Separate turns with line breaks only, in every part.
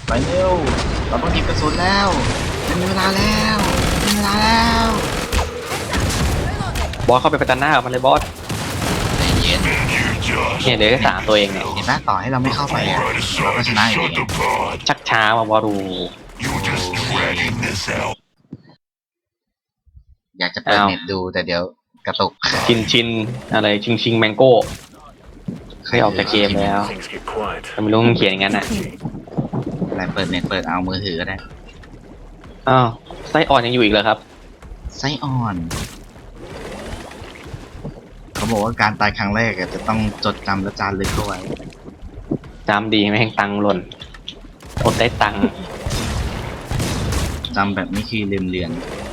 ไปเร็วเราต้องหยิบกระสุนแล้วเป็นเวลาแล้วเป็นเวลาแล้ว
บอสเข้าไปประจันหน้ากับมันเลยบอส
ใจเย็น
เนี่ยเหลือแค่3ตัวเองเนี่ย
เห็นไหมต่อให้เราไม่เข้าไปอะเราก็ชนะอยู่ดี
ชักช้ามาบอสดู
อยากจะเปิดเน็ตดูแต่เดี๋ยวกระตุก
ชินอะไรชิงแมงโก้เคยออกจากเกมแล้วแต่ไม่รู้มันเขียนอย่างนั้นอ่ะ
อะไรเปิดเน็ตเปิดเอามือถือก็ได้
อ้าวไส้อ่อนยังอยู่อีกเหรอครับ
ไส้อ่อนเขาบอกว่าการตายครั้งแรกอะจะต้องจดจำและจารึกเข้าไว้
จำดีไม่แห่งตังค์หล่นอดได้ตังค์
จำแบบนี้คือลืมเลือน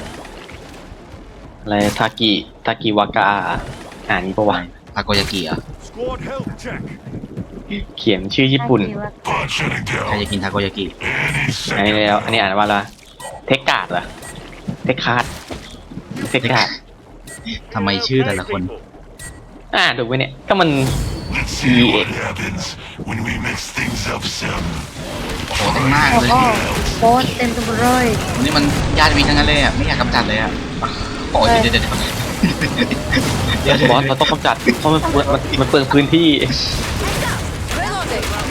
อะไรทากิวากาอ่านนี้ปะวะ
ทาโกยากิเหรอ่ะ
Squad health check.
เขียนชื่อญี่ปุ่น
ใครจะกินทาโกยากิ
อันนี้แล้วอันนี้อ่านว่าอะไรเทคการ์ดเหรอเทคคาร์ดเทคการ์ด
ทำไมชื่อแต่ละคน
ถูกไหมเนี่ยก็มัน
Let's see what happens when we mix things up some.
โอ้โหเต็มมาก
โอ้
เลย
โหโค้ดเต็มไปหมดเลย
วันนี้มันญาติวินทั้งนั้นเลยอ่ะไม่อยากกำจัดเลยอ่ะโอ้ยเดี๋ยว
บอสเราต้องกำจัดเพราะมันเปลืองพื้นที่